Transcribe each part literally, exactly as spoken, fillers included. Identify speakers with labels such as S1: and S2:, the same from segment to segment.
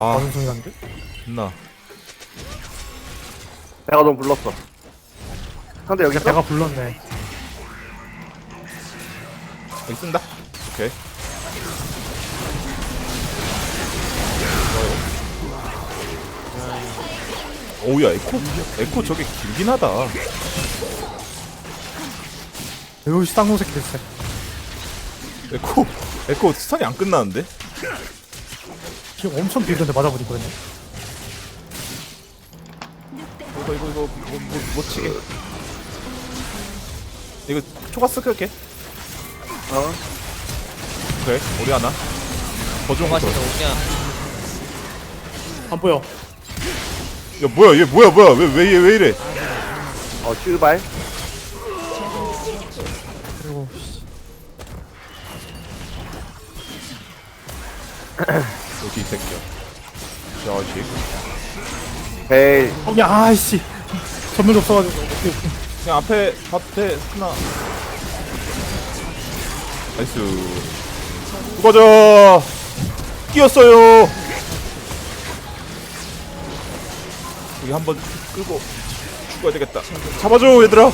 S1: 아,
S2: 무슨 소리 난데?
S1: 존나.
S3: 내가 넌 불렀어. 상대 여기 있어?
S2: 내가 불렀네.
S1: 여기 쓴다. 오케이. 좋아요. 오우야, 에코? 에코 저게 길긴 하다.
S2: 여기 쌍놈 새끼들 진짜.
S1: 에코, 에코 스턴이 안 끝나는데?
S2: 지금 엄청 길던데 맞아버리거든요.
S1: 이거, 이거, 이거, 못, 못, 못 치게. 이거 초가스 끌게.
S3: 어?
S1: 오케이, 우리 하나. 더 좋은 거
S4: 맛있다
S1: 야,
S4: 오냐.
S2: 안 보여.
S1: 뭐야, 얘 뭐야, 뭐야. 왜, 왜, 얘 왜 이래?
S3: 어, 출발.
S2: 그리고 씨.
S1: 여기 이 새끼야. 자식.
S3: 에이,
S2: 어, 야, 아이씨. 전면 없어가지고. 어떻게-
S1: 그냥 앞에 밭에 하나. 나이스. 누가자 끼었어요. 여기 한번 끌고 죽어야 되겠다. 잡아줘 얘들아.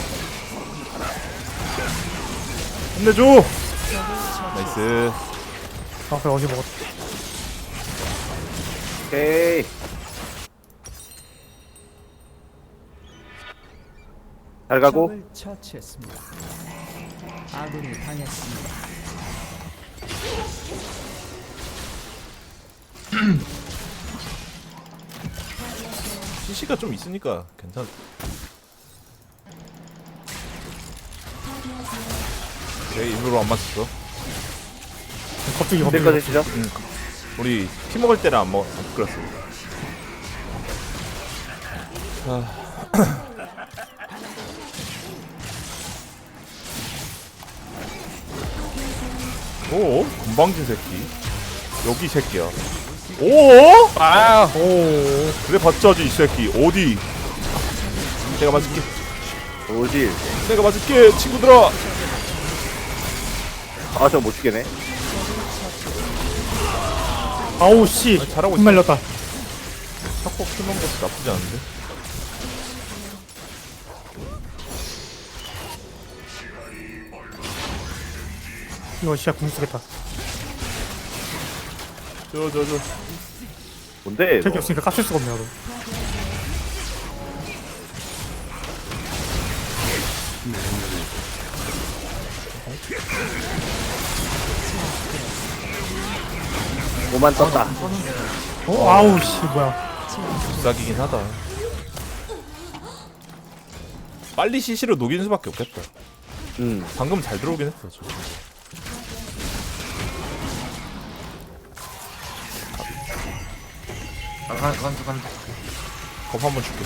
S1: 혼내줘. 나이스.
S2: 아, 그래, 어제 먹었다.
S3: 오케이. 잘 가고.
S5: 적을 처치했습니다. 아군이 당했습니다.
S1: 씨씨가 좀 있으니까 괜찮. 오케이 일부러 안 맞췄어.
S2: 갑자기
S3: 내거
S2: 갑자기.
S3: 되시죠?
S1: 응. 우리 피 먹을 때는 안 먹, 안 끌었어. 아. 오, 건방진 새끼. 여기 이 새끼야. 오,
S4: 아,
S2: 오.
S1: 그래 봤자지 이 새끼. 어디? 내가 맞을게.
S3: 오질.
S1: 내가 맞을게, 친구들아.
S3: 아, 저거 못 죽겠네.
S2: 아우, 씨.
S1: 아, 잘하고 있어.
S2: 흩말렸다.
S1: 탁복 키는 것도 나쁘지 않은데.
S2: 이거 진짜 궁 쓰겠다.
S1: 저, 저, 저.
S3: 뭔데?
S2: 택이
S3: 너?
S2: 없으니까 깝칠 수가 없네, 나도.
S3: 오만 떴다.
S2: 어, 아우, 씨, 뭐야.
S1: 비싸기긴 하다. 빨리 씨씨로 녹이는 수밖에 없겠다.
S3: 음.
S1: 방금 잘 들어오긴 했어. 저. 겁 한번 줄게.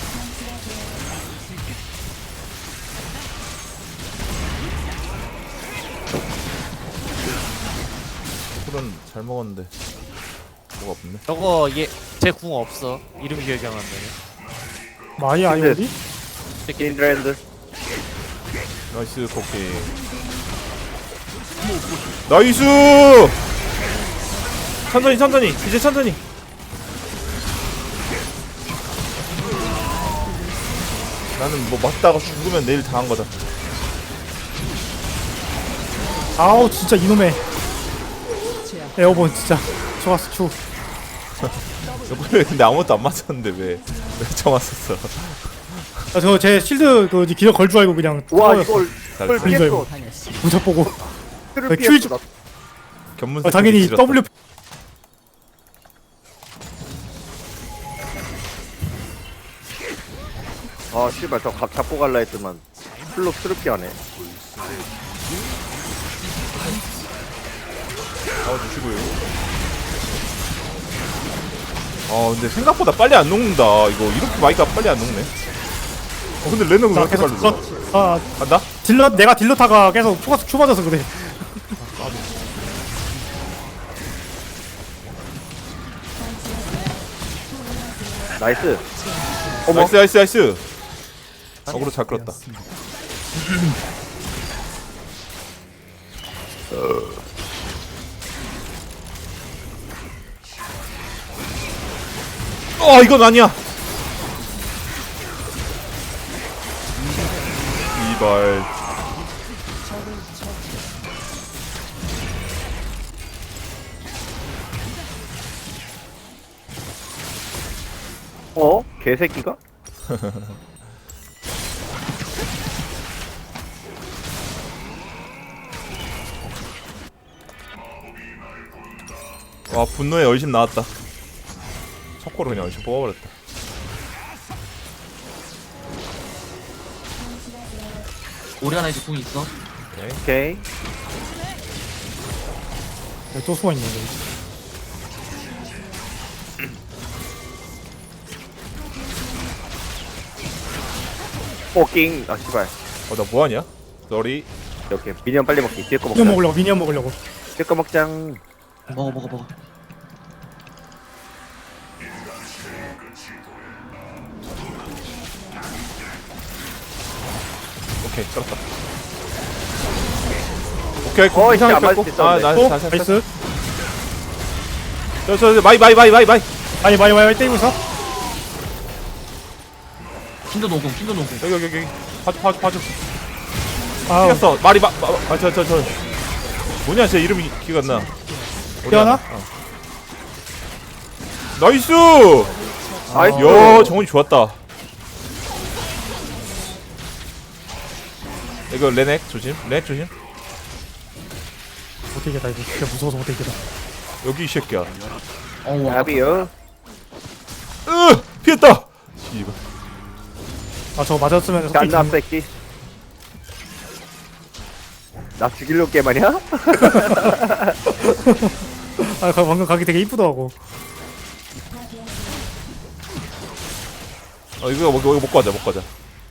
S1: 쿨은 잘 먹었는데 뭐가 없네.
S4: 저거 얘 제 궁 없어. 이름 기억이 안 나네.
S2: 마이 아이오디?
S3: 킨드랜드.
S1: 나이스 코킹. 나이스. 천천히 천천히 이제 천천히. 나는 뭐 맞다가 죽으면 내일 당한 거다.
S2: 아우, 진짜 이놈의. 에어본, 진짜. 좋았어, 추.
S1: 그래 근데 아무것도 안 맞았는데 왜왜 쳐맞았어?
S2: 아, 저, 제 실드, 그, 기력 걸 줄 알고 그냥.
S3: 와,
S2: 뚫어였어.
S3: 이걸,
S1: 잘
S3: 이걸
S1: 써.
S2: 그러니까
S3: 피했어.
S5: 당했습니다.
S2: 무적 보고.
S3: 를
S2: 그
S3: 피했어.
S2: 큐
S3: 나.
S1: 견문
S2: 어, 당연히 W.
S3: 아, 씨발, 저 각 잡고 갈라 했더만. 플로 트럽게 하네.
S1: 나와주시고요. 아 근데 생각보다 빨리 안 녹는다. 이거 이렇게 마이크가 빨리 안 녹네. 어 근데 레너는 왜
S2: 나
S1: 이렇게
S2: 계속
S1: 빨리
S2: 딜러,
S1: 녹아?
S2: 아,
S1: 간다?
S2: 딜러, 내가 딜러타가 계속 초가스 추 맞아서 그래.
S3: 나이스. 어머.
S1: 나이스 나이스 나이스. 어그로 잘 끌었다. 어 이건 아니야. 이발.
S3: 어? 개새끼가?
S1: 와 분노의 얼심 나왔다. 석고로 그냥 얼심 뽑아버렸다.
S6: 오리아나 이제 궁 있어.
S3: 오케이.
S2: 네, 또 숨어있네 여기.
S3: 포킹. 아 씨발.
S1: 어나 뭐하냐? 쏘리.
S3: 이렇게 미니언 빨리 먹기. 뒤에 거 먹자.
S2: 미니언 먹으려고 미니언 먹으려고.
S3: 뒤에 거 먹장.
S6: 먹어 먹어 먹어.
S1: 오케이 끌었다. 오케이
S3: 어이,
S1: 이상하게
S3: 안 맞을
S1: 뺐고.
S3: 수 있었는데.
S1: 아
S2: 또
S1: 나이스 나이스.
S2: 나이스.
S1: 저저 마이 마이 마이 마이 마이.
S2: 많이 많이 많이 때리고 있어.
S6: 킨도 노궁 킨도 노궁.
S1: 여기 여기 여기. 봐줘 봐줘 봐줘.
S2: 아
S1: 뛰었어. 말이 마아저 저 저. 뭐냐 제 이름이 기가 안 나.
S2: 뛰어나?
S1: 어. 나이스.
S3: 나이스.
S1: 야 정훈이 좋았다. 이거 레넥 조심. 레넥 조심.
S2: 못 이기겠다 이거. 진짜 무서워서 못 이기겠다.
S1: 여기 이 새끼야.
S6: 어우 아까
S3: 야비요.
S1: 으 피했다. 씨발.
S2: 아 저거 맞았으면 속이
S3: 짠나
S2: 죽는-
S3: 새끼. 나 죽이려고 게임 아니야?
S2: 아 가- 방금 가기 되게 이쁘더라고.
S1: 어 이거 먹 이거 먹고 가자 먹고 가자.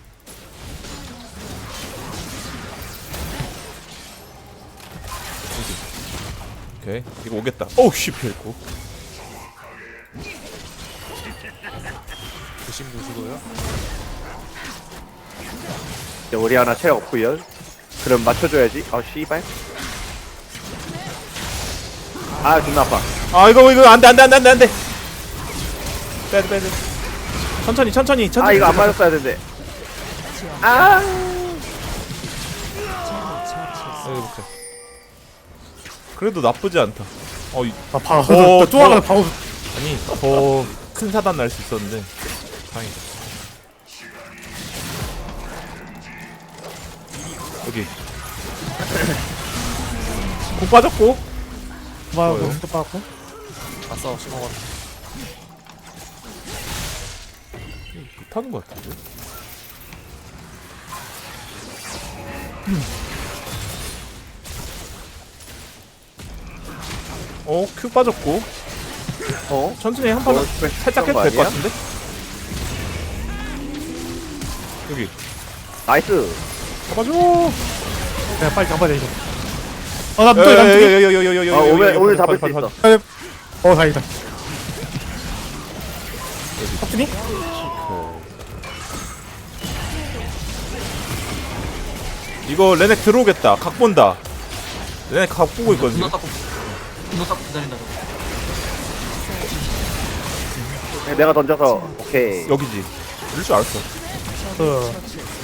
S1: 오케이 이거 오겠다. 오우 씨 피했고.
S4: 조심 누시고요.
S3: 이제 우리 하나 체력 없구요. 그럼 맞춰줘야지. 아 씨발. 아 존나 아파.
S1: 아 이거 이거 안돼 안돼 안돼 안돼 안돼. 빼야 돼 빼야 돼. 천천히 천천히 천천히.
S3: 아 이거 안 맞았어야 되는데. 아.
S1: 여기 볼게. 그래도 나쁘지 않다. 어 이,
S2: 아 바로
S1: 어,
S2: 또 하나 바로.
S1: 아니 더 큰 사단 날 수 있었는데 다행이다. 여기. 공 빠졌고.
S2: 바로
S1: 뭐요?
S2: 또 빠졌고.
S4: 아싸 심어봤다.
S1: 못하는 것 같은데. 어, 큐 빠졌고.
S3: 어?
S1: 천천히 한 판만
S3: 어, 씨발,
S1: 살짝 해도
S3: 거
S1: 될 것
S3: 아니야?
S1: 같은데? 여기.
S3: 나이스.
S1: 잡아줘.
S2: 내가 빨리 잡아야 돼 이거. 아나 또 난.
S1: 여여여여여여여여.
S3: 아 오늘 오늘 잡을 수 있어.
S2: 어 다행이다. 탑준이?
S1: 이거 레넥 들어오겠다. 각 본다. 레넥 각 보고 있거든.
S6: 분노
S1: 지금.
S6: 닦고 분노 닦고 기다린다 저거.
S3: 네, 내가 던져서 오케이.
S1: 여기지. 이럴 줄 알았어.
S2: 그.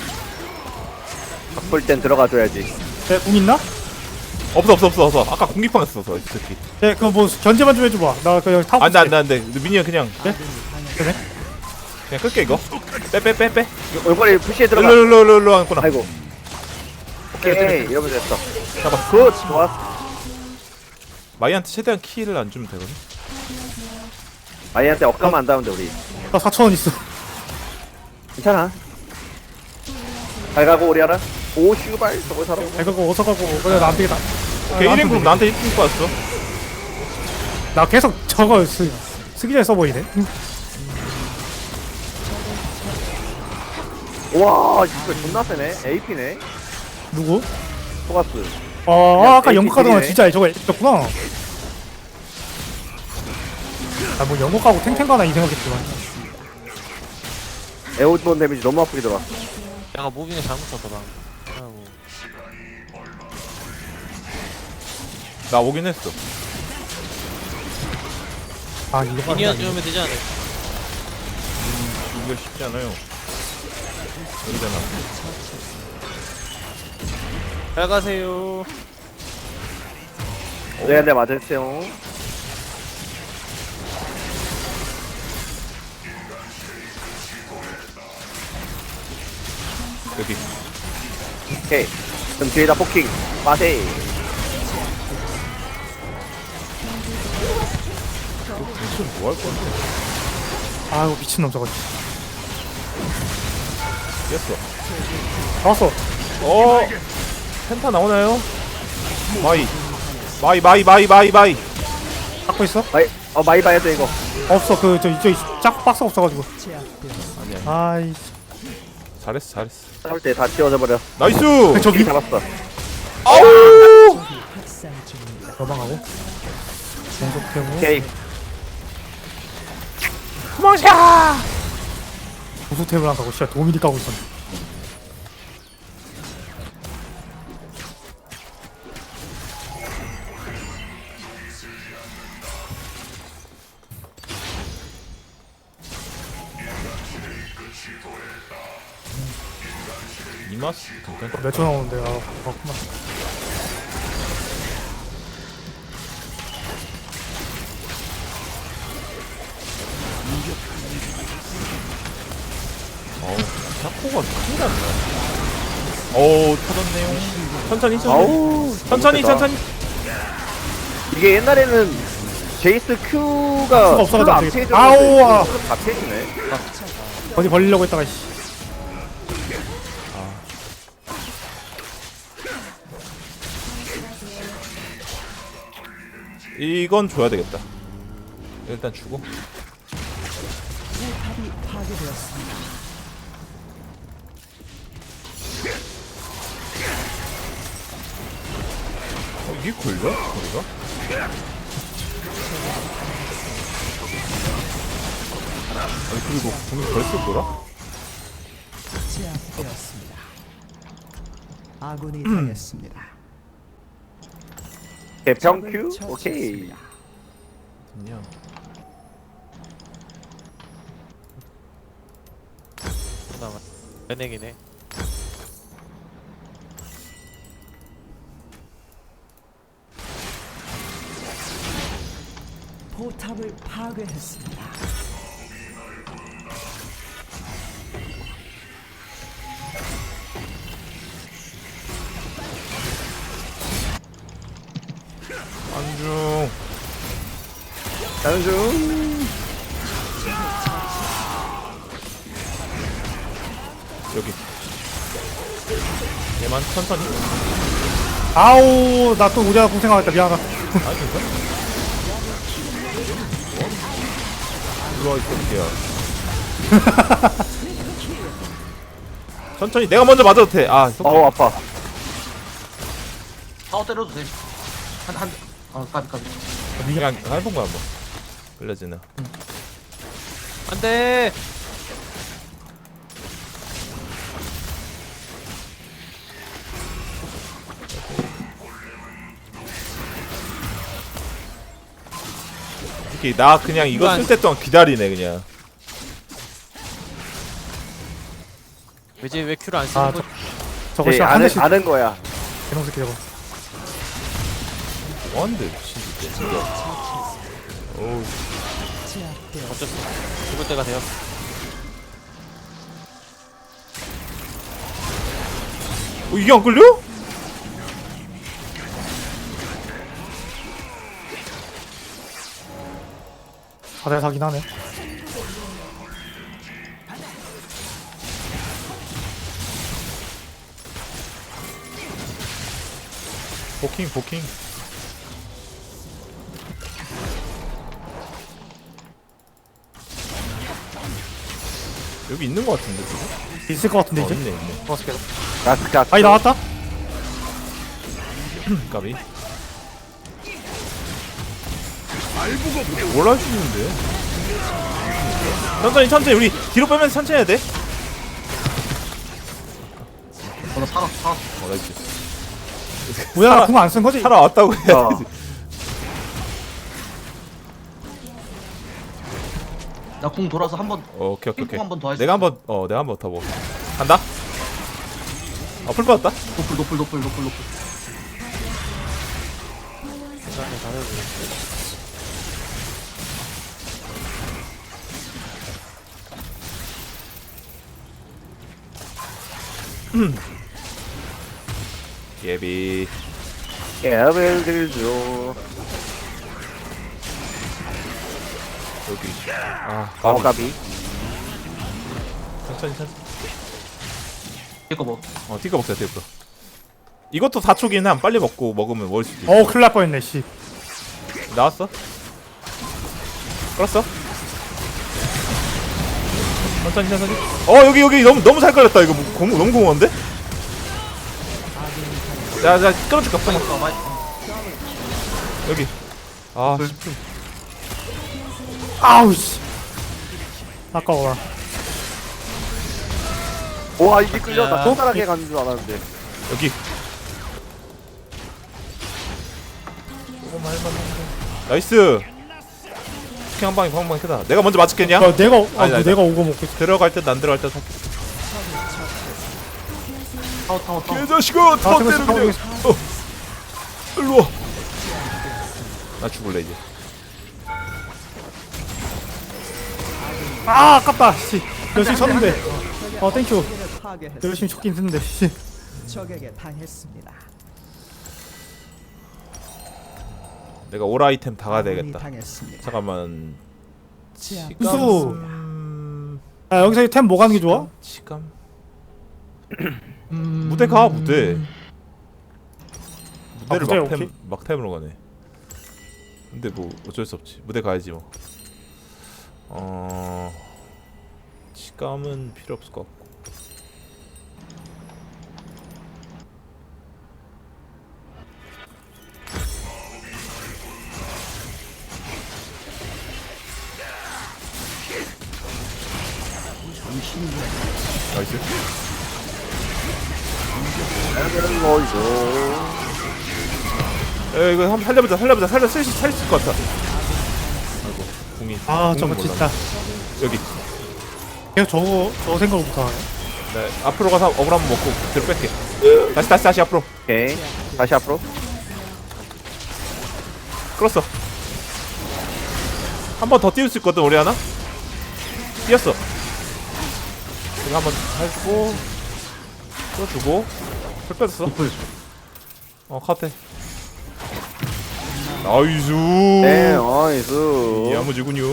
S3: 바쁠 땐 들어가줘야지.
S2: 내궁 있나?
S1: 없어 없어 없어 없어. 아까 공기팡 했었어 이 새끼.
S2: 네, 그뭐 견제만 좀 해줘봐. 나 그냥 타고.
S1: 안돼 안돼 안돼. 미니언 그냥
S2: 그래?
S1: 그냥 끌게 이거. 빼 빼 빼 빼.
S3: 얼굴에 푸시에 들어가.
S1: 일로 일로 일로 일로 왔구나.
S3: 아이고. 오케이 이러면 됐어.
S1: 잡아.
S3: 굿 좋았어.
S1: 마이한테 최대한 키를 안 주면 되거든.
S3: 아이한테 억가면 안 닿으면 돼 우리.
S2: 나 사천 원 있어.
S3: 괜찮아. 잘 가고 우리 하나. 오 슈발 저거 사람.
S2: 내가 그거 어서 가고 그래 나안 되겠다.
S1: 오케이
S2: 아,
S1: 일 인 그룹 나한테 일 등 받았어.
S2: 나 계속 저거 쓰, 쓰기 전에 써보이네.
S3: 와 이거 존나 세네. 에이피네.
S2: 누구?
S3: 토가스.
S2: 아, 아 아까
S3: 에이치
S2: 연극 하던 거
S3: 딜이네.
S2: 진짜 저거 있었구나. 아뭐 연극 하고 탱탱 가나 이 생각했지만.
S3: 에어본 데미지 너무 아프게 들어왔어.
S4: 내가 무빙을 잘못 쳤다 방. 아이고.
S1: 나 오긴 했어.
S2: 아 이거
S4: 미니언
S2: 빠르다.
S4: 주면 되지 않을까?
S1: 이거 쉽지 않아요. 여기잖아.
S4: 잘 가세요.
S3: 네, 네, 맞으세요.
S1: 여기.
S3: 오케이. 그럼 뒤에다 포킹. 빠세.
S1: 무슨 뭐 할 건데?
S2: 아이고 미친놈 저거.
S1: 이겼어.
S2: 나왔어.
S1: 어. 펜타 나오나요? 마이. 마이 마이 마이 마이 마이.
S2: 갖고 있어?
S3: 마이, 어, 많이 봐야 돼, 이거.
S2: 없어. 그 저 이쪽 짝 박스 없어가지고.
S5: 제압되었습니다.
S1: 아니야.
S2: 아이.
S1: 잘했어 잘했어.
S3: 싸울 때 다 띄워져 버려.
S1: 나이스.
S2: 저
S3: 이
S2: 위
S3: 잡았어.
S1: 아우.
S5: 확산 중입니다.
S2: 도망가고. 공속 태우고.
S3: 오케이.
S1: 도망쳐.
S2: 구수 태우고 안 가고 씨야 도미니 까고 있었네.
S1: 이마스 괜찮다.
S2: 몇 초 나오는데 아 그렇구만.
S1: 어우, 샤코가 큰일 났네. 어우, 터졌네요. 천천히, 천천히.
S3: 아우.
S1: 천천히,
S3: 너무
S1: 천천히.
S3: 이게 옛날에는 제이스 Q가
S2: Q가 없어가지고 안 되겠다. 아우, 아.
S3: 다 피해주네.
S2: 어디 벌리려고 했다가 씨.
S1: 이건 줘야 되겠다. 일단 주고.
S5: 포탑이 파괴되었습니다.
S1: 어, 이게 걸려? 거리가? 아니, 그리고 공이 벌써 돌아?
S5: 제압되었습니다. 아군이 당했습니다.
S3: 개평
S5: 적을
S3: Q? 오케이.
S5: 처치했습니다.
S1: 그냥.
S4: 나 은행이네.
S5: 포탑을 파괴했습니다.
S1: 안중.
S3: 가는 중.
S1: 여기. 얘만 천천히.
S2: 아우 나 또 우리가 고생하겠다 미안하다.
S1: 아니, 괜찮아. 일로 와, 이 새끼야. 천천히. 내가 먼저 맞아도 돼. 아, 속-
S3: 어우, 아파.
S6: 파워 때려도 돼. 한, 한, 어, 까비, 까비.
S1: 그냥 해본 거야, 뭐. 끌려지나.
S4: 안 돼!
S1: 특히 나 그냥 이거 쓸 때 동안 기다리네, 그냥.
S4: 왜지 왜 Q를 안 쓰는
S2: 아,
S4: 거지?
S2: 저거
S3: 예,
S2: 씨한
S3: 아는,
S2: 대씩
S3: 아는 거야.
S2: 개놈 새끼 저거.
S1: 뭐한데, 미친 진짜. 진짜. 어우,
S5: 제압되었습니다.
S4: 어쩔 수 없어. 죽을 때가 되었어.
S1: 어, 이게 안 끌려?
S2: 다들 사긴 하네.
S1: 포킹, 포킹. 여기 있는 거 같은데, 지금?
S2: 있을 것 같은데
S1: 어,
S2: 이제.
S1: 있네, 있네.
S2: 좋았어 계속.
S3: 가스, 가스.
S2: 아이 나왔다.
S1: 까비. 뭘 할 수 있는데? 천천히, 천천히. 우리 뒤로 빼면서 천천히 해야 돼.
S6: 어, 나 살았어, 살았어.
S1: 어, 나이스.
S2: 뭐야 궁 안 쓴 거지?
S1: 살아왔다고 해야지.
S3: 어.
S6: 나 공 돌아서 한번
S1: 어, 오케이 오케이 오케이.
S6: 핑퐁 한번 더 할수
S1: 내가 한번 어 내가 한번 더 먹어. 간다. 어풀 받았다.
S6: 노플 노플 노플 노플 노플.
S4: 괜찮네 다들
S1: 예비.
S3: 개벨 들죠.
S1: 여기. 아,
S3: 어,
S1: 까비.
S3: 가비.
S1: 천천히 천천히.
S6: 이거 뭐?
S1: 어, 티가 먹자 티가. 이것도 사 초긴 함. 빨리 먹고 먹으면 먹을 수도 있어.
S2: 어 큰일 날 뻔했네 씨.
S1: 나왔어? 끌었어? 천천히 천천히. 어 여기 여기 너무 너무 잘 걸렸다 이거. 뭐, 공, 너무 공허한데? 자자 끌어줄까?
S6: 많이 어, 많이.
S1: 여기. 아
S6: 그-
S1: 십 분.
S2: 아우 씨. 아까워라.
S3: 와, 이게 끌려. 나
S4: 야.
S3: 손가락에 가는 줄 알았는데.
S1: 여기. 조금만 해봤는데. 나이스. 스킨 한 방에 한 방에 크다. 내가 먼저 맞췄겠냐?
S2: 야, 내가 아,
S1: 아니, 아니,
S2: 내가 오고 먹고 있어.
S1: 들어갈 듯 안 들어갈 듯.
S6: 타워 타워 타워.
S1: 개자식아! 다
S2: 태블릿
S1: 때려
S2: 타고
S1: 그냥.
S2: 있어.
S1: 어. 일로 와. 나 죽을래 이제.
S2: 아 아깝다 씨. 열심히 쳤는데. 어 땡큐.
S5: 적을 파괴했습니다.
S2: 열심히 쳤긴 했는데 씨.
S5: 적에게 당했습니다.
S1: 내가 올 아이템 다 가야
S5: 아군이
S1: 되겠다.
S5: 당했습니다.
S1: 잠깐만.
S5: 제압.
S1: 치감.
S2: 우수.
S1: 음...
S2: 아 여기서 템 뭐 가는 게 좋아?
S1: 치감.
S6: 음...
S1: 무대 가 무대. 무대를
S2: 무대
S1: 막템
S2: 오케이.
S1: 막템으로 가네. 근데 뭐 어쩔 수 없지. 무대 가야지 뭐. 어. 치감은 필요 없을 것 같고. 나이스.
S3: 개벨 로이죠.
S1: 에 이거 한번 살려보자 살려보자 살려 쓸 수 있을 것 같아. 아이고 궁이.
S2: 아
S1: 궁은
S2: 저거
S1: 몰라.
S2: 진짜.
S1: 여기.
S2: 계속 저거 저거 생각을 못하네.
S1: 네 앞으로 가서 어글 한번 먹고 뒤로 뺄게. 다시 다시 다시 앞으로.
S3: 오케이. 다시 앞으로.
S1: 끌었어. 한 번 더 띄울 수 있거든 우리 하나. 뛰었어. 이거 한번 해주고 끌어주고 풀 빼줬어.
S6: 노플.
S1: 어 카테. 나이스.
S3: 네, 나이스.
S1: 야무지군요.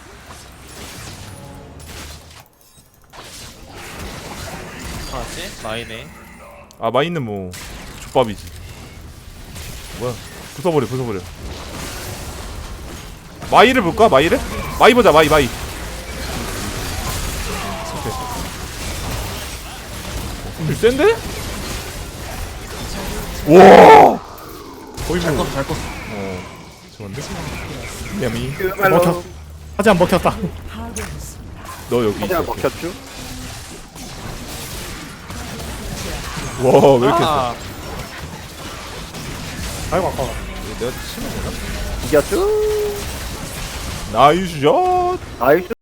S4: 뭐지? 마이네.
S1: 아 마이는 뭐 족밥이지. 뭐야? 부숴버려 부숴버려. 마이를 볼까? 마이를? 마이 보자 마이 마이. 오케이. 센데? 와. 거의
S6: 잘
S1: 뭐.
S6: 껐어 잘 껐어.
S1: 어. 좋은데? 야미.
S3: 개벨
S2: 먹혔.
S3: 로.
S2: 하지만 먹혔다.
S5: 파괴했습니다.
S1: 너 여기 있어.
S3: 그냥 먹혔죠?
S1: 와, 왜 이렇게 했어?
S4: 아,
S2: 아이고 아까워.
S1: 내가 치면 되나?
S3: 이겼죠?
S1: 나이스 샷.
S3: 나이스.